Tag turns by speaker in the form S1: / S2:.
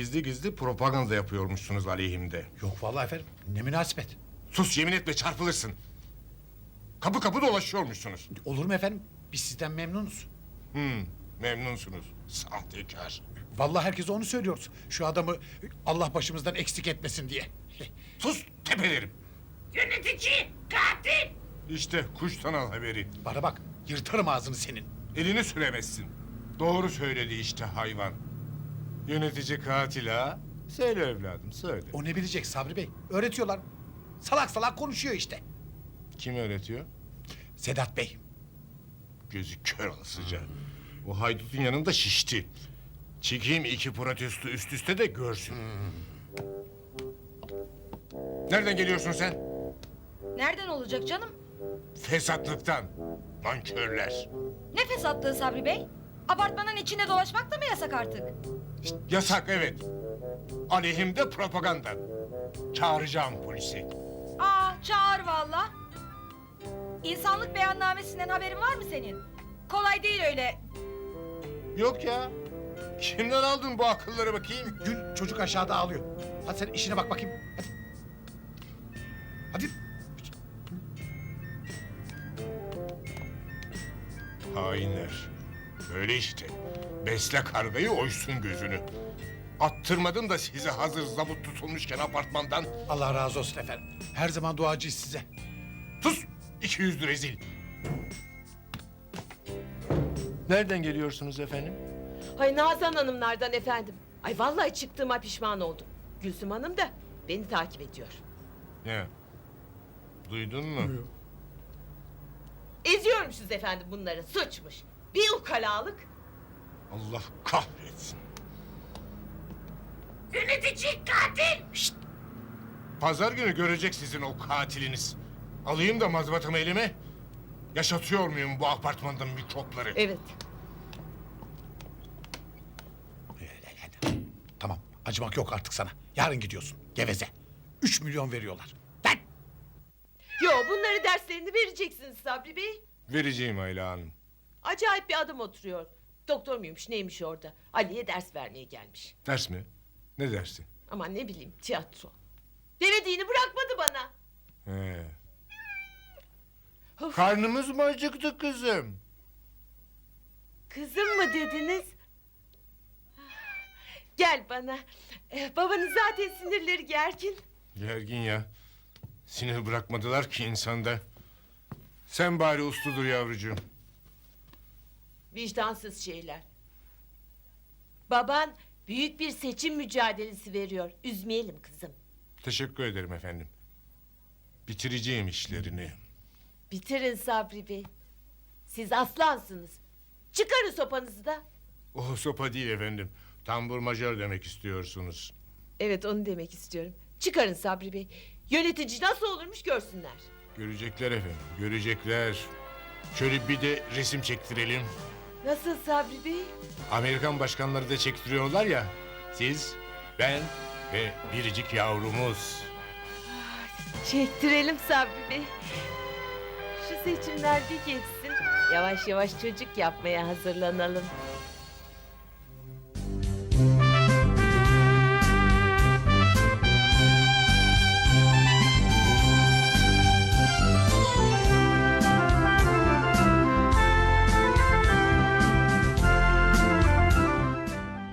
S1: gizli gizli propaganda yapıyormuşsunuz aleyhimde.
S2: Yok vallahi efendim. Ne münasebet.
S1: Sus, yemin etme çarpılırsın. Kapı kapı dolaşıyormuşsunuz.
S2: Olur mu efendim? Biz sizden memnunuz.
S1: Memnunsunuz. Sahtekar.
S2: Vallahi herkese onu söylüyoruz. Şu adamı Allah başımızdan eksik etmesin diye.
S1: Sus, tepelerim.
S3: Yönetici, katil!
S1: İşte kuştan al haberi.
S2: Bana bak, yırtarım ağzını senin.
S1: Elini süremezsin. Doğru söyledi işte hayvan. Yönetici katil ha? Söyle evladım, söyle.
S2: O ne bilecek Sabri Bey? Öğretiyorlar. Salak salak konuşuyor işte.
S1: Kim öğretiyor?
S2: Sedat Bey.
S1: Gözü kör olasıca. O haydutun yanında şişti. Çekeyim 2 protesto üst üste de görsün. Nereden geliyorsun sen?
S4: Nereden olacak canım?
S1: Fesatlıktan. Nankörler.
S4: Ne fesatlığı Sabri Bey? Apartmanın içinde dolaşmak da mı yasak artık?
S1: Yasak, evet. Aleyhimde propaganda. Çağıracağım polisi.
S4: Çağır valla. İnsanlık beyannamesinden haberin var mı senin? Kolay değil öyle.
S1: Yok ya. Kimden aldın bu akılları bakayım?
S2: Gül, çocuk aşağıda ağlıyor. Hadi sen işine bak bakayım. Hadi. Hadi.
S1: Hainler. Böyle işte. Besle kargayı, oysun gözünü. Attırmadım da size hazır zabut tutulmuşken apartmandan.
S2: Allah razı olsun efendim. Her zaman duacıyız size.
S1: Sus! 200 rezil. Nereden geliyorsunuz efendim?
S3: Ay Nazan Hanımlardan efendim. Ay vallahi çıktığıma pişman oldum. Gülsüm Hanım da beni takip ediyor.
S1: Ne? Duydun mu?
S3: Eziyormuşuz efendim bunları, suçmuş. Bir ukalalık.
S1: Allah kahretsin.
S3: Yönetici katil!
S1: Şşt! Pazar günü görecek sizin o katiliniz. Alayım da mazbatamı elime. Yaşatıyor muyum bu apartmanda mikropları?
S3: Evet.
S2: Tamam, acımak yok artık sana. Yarın gidiyorsun, geveze. 3 milyon veriyorlar. Lan!
S3: Yo, bunları derslerini vereceksiniz Sabri Bey.
S1: Vereceğim Ayla Hanım.
S3: Acayip bir adam oturuyor. Doktor muymuş neymiş orada? Ali'ye ders vermeye gelmiş.
S1: Ders mi? Ne dersi?
S3: Aman ne bileyim, tiyatro. Demediğini bırakmadı bana.
S1: He.
S3: Of.
S1: Karnımız mı acıktı kızım?
S3: Kızım mı dediniz? Gel bana. Babanın zaten sinirleri gergin.
S1: Gergin ya. Sinir bırakmadılar ki insanda. Sen bari uslu dur yavrucuğum.
S3: Vicdansız şeyler. Baban büyük bir seçim mücadelesi veriyor. Üzmeyelim kızım.
S1: Teşekkür ederim efendim. Bitireceğim işlerini.
S3: Bitirin Sabri Bey. Siz aslansınız. Çıkarın sopanızı da.
S1: O sopa değil efendim. Tambur majör demek istiyorsunuz.
S3: Evet onu demek istiyorum. Çıkarın Sabri Bey. Yönetici nasıl olurmuş görsünler.
S1: Görecekler efendim, görecekler. Şöyle bir de resim çektirelim.
S3: Nasıl Sabri Bey?
S1: Amerikan başkanları da çektiriyorlar ya. Siz, ben ve biricik yavrumuz.
S3: Çektirelim Sabri Bey. Şu seçimler bir geçsin. Yavaş yavaş çocuk yapmaya hazırlanalım.